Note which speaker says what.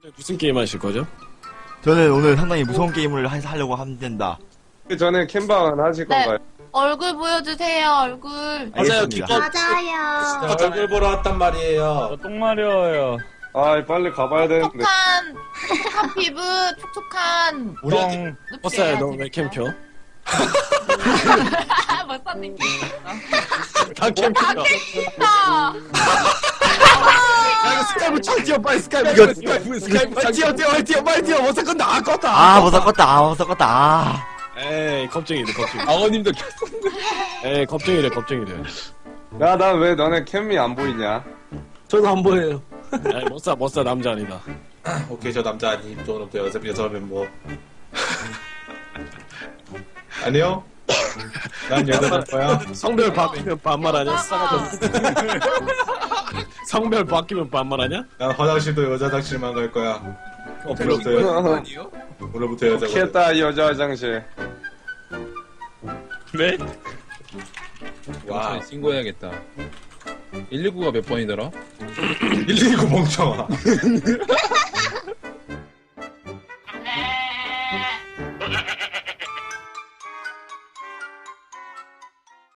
Speaker 1: 무슨 게임 하실 거죠?
Speaker 2: 저는 오늘 상당히 무서운 게임을 하려고 합니다.
Speaker 3: 그 전에 캠방은 하실
Speaker 4: 네.
Speaker 3: 건가요?
Speaker 4: 얼굴 보여주세요, 얼굴.
Speaker 1: 맞아요,
Speaker 2: 알겠습니다.
Speaker 4: 맞아요.
Speaker 5: 얼굴 보러 왔단 말이에요.
Speaker 6: 똥 마려워요.
Speaker 3: 아, 빨리 가봐야 되는데.
Speaker 4: 촉촉한 피부, 촉촉한
Speaker 1: 우리한테
Speaker 4: 눕지
Speaker 1: 버싸야 너
Speaker 4: 해야지.
Speaker 1: 왜 캠 켜?
Speaker 4: 멋사님
Speaker 1: 다 캠 켜.
Speaker 4: 아,
Speaker 1: 야 이거 스카이프 창 띄워 빨리 스카이프
Speaker 2: 이거-
Speaker 1: 스카이프 창 뛰어 빨리 뛰어 못 샀건데 껐다.
Speaker 2: 못 섞었다.
Speaker 1: 에이 겁쟁이래 겁쟁이.
Speaker 5: 아버님도
Speaker 1: 에이 겁쟁이래.
Speaker 3: 야, 난 왜 너네 캠이 안 보이냐?
Speaker 5: 저도 안 보여요.
Speaker 1: 에이 못사 남자 아니다.
Speaker 5: 오케이, 저 남자 아님. 저는 또 여자 멤버. 아니요? 난 여자 멤버야.
Speaker 1: 성별 바뀌면 반말하냐? 싸가지. 성별 바뀌면 반말하냐?
Speaker 5: 난 화장실도 여자 화장실만 갈 거야. 오늘부터 오늘부터 여자.
Speaker 3: 키했다, 여자 화장실.
Speaker 1: 네?
Speaker 5: 와,
Speaker 6: 경찰에 신고해야겠다. 119가 몇 번이더라?
Speaker 5: 119 멍청아.